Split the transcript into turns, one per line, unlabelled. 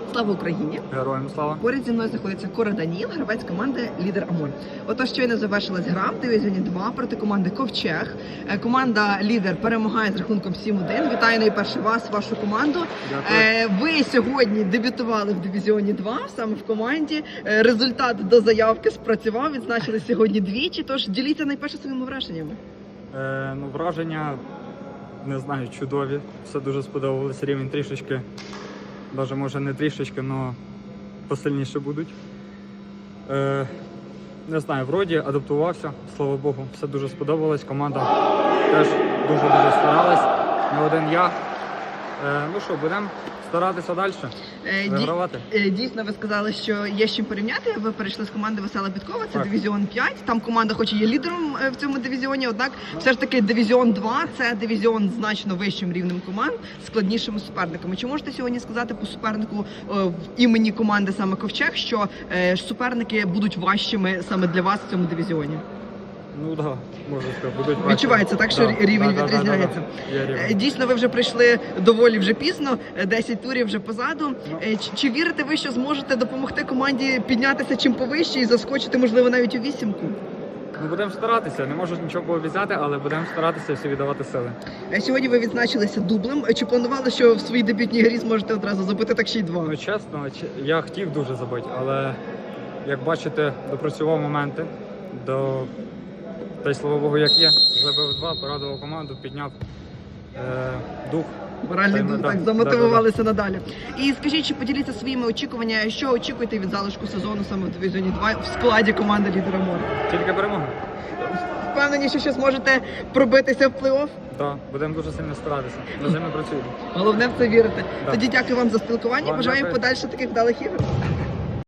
Слава Україні!
Героям слава!
Поряд зі мною знаходиться Кора Даніл, гравець команди «Лідер Амур». Отож, щойно завершилась гра в дивізіоні 2 проти команди «Ковчег». Команда «Лідер» перемагає з рахунком 7-1. Вітаю найперше вас, вашу команду.
Дякую.
Ви сьогодні дебютували в дивізіоні 2, саме в команді. Результат до заявки спрацював, відзначили сьогодні двічі. Тож діліться найперше своїми враженнями.
Враження, не знаю, чудові. Все дуже сподобалось. Рівень трішечки, навіть може не трішечки, але посильніше будуть. Не знаю, вроді адаптувався, слава Богу, все дуже сподобалось. Команда теж дуже-дуже старалась. Не один я. Ну що, будемо старатися далі, вигравати.
Дійсно, ви сказали, що є з чим порівняти. Ви перейшли з команди Весела Підкова, це
Так.
дивізіон 5. Там команда хоч і є лідером в цьому дивізіоні, однак все ж таки дивізіон 2 – це дивізіон з значно вищим рівнем команд, складнішими суперниками. Чи можете сьогодні сказати по супернику в імені команди саме Ковчег, що суперники будуть важчими саме для вас в цьому дивізіоні?
Ну так, можу сказати, будуть важчі.
Відчувається так, що рівень відрізняється.
Є рівень.
Дійсно, ви вже прийшли доволі вже пізно, 10 турів вже позаду. Чи вірите ви, що зможете допомогти команді піднятися чим повище і заскочити, можливо, навіть у вісімку?
Ну, будемо старатися, не можу нічого пообіцяти, але будемо старатися всі віддавати сили.
Сьогодні ви відзначилися дублем. Чи планували, що в своїй дебютній грі зможете одразу забити так ще й два?
Ну, чесно, я хотів дуже забити, але, як бачите, допрацював моменти, та й слава Богу, як є. Забив два, порадував команду, підняв дух.
Моральний дух, так, замотивувалися надалі. І скажіть, чи поділіться своїми очікуваннями, що очікуєте від залишку сезону саме в дивізіоні 2 в складі команди «Лідер Амур»?
Тільки перемога.
Впевнені, що ще зможете пробитися в плей-офф?
Так, будемо дуже сильно старатися. Над ними працюємо.
Головне в це вірити.
Да.
Тоді дякую вам за спілкування.
Вам
Бажаю
дякую.
подальше таких вдалих ігор.